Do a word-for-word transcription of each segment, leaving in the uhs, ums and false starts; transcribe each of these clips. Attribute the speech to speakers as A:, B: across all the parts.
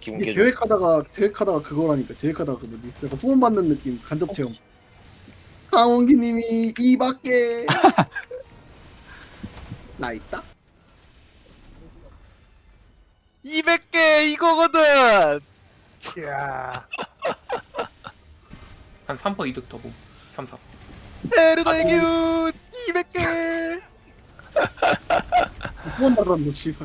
A: 기분
B: 이게
A: 개좋.
B: 계획하다가 계획하다가 그거라니까 계획하다가 그 뭐지? 약간 후원 받는 느낌 간접 체험. 강원기님이 이 밖에 나 있다.
C: 이백 개 이거거든.
D: 이야.
E: 한 삼 퍼센트 이득 더고 삼, 사.
C: 에르다의 기운 이백 개.
B: 후원 받았는데 씨발.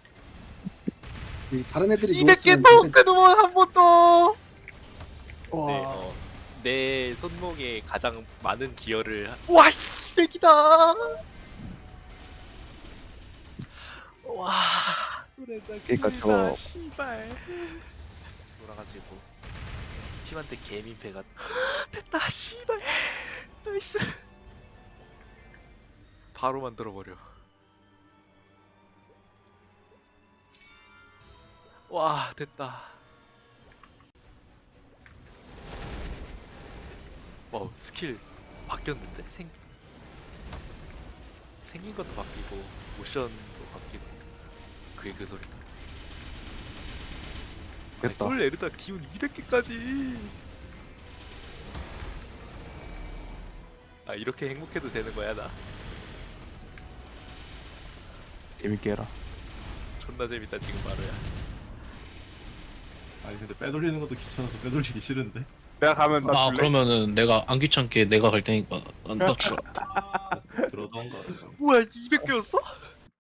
B: 이 다른 애들이
C: 이백 개
B: 누웠으면
C: 토큰 후원 한 번 더.
B: 와.
C: 네, 어, 내 손목에 가장 많은 기여를 한... 와 이백이다. 와 소렌다
A: 그러니까
C: 기회다,
A: 저거-
C: 씨발 돌아가지고 팀한테 개민폐가 됐다 씨발 나이스 바로 만들어버려. 와 됐다. 와 스킬 바뀌었는데? 생... 생긴 것도 바뀌고 모션도 바뀌고 그게 그 소리다. 아니,
A: 됐다.
C: 솔 에르다 기운 이백 개까지. 아 이렇게 행복해도 되는 거야 나.
A: 재밌게 해라.
C: 존나 재밌다 지금 바로야.
D: 아니 근데 빼돌리는 것도 귀찮아서 빼돌리기 싫은데.
F: 내가 가면 나
G: 아
F: 줄래?
G: 그러면은 내가 안 귀찮게 내가 갈 테니까 나 주라.
D: 그러던가.
C: 뭐야 이백 개였어?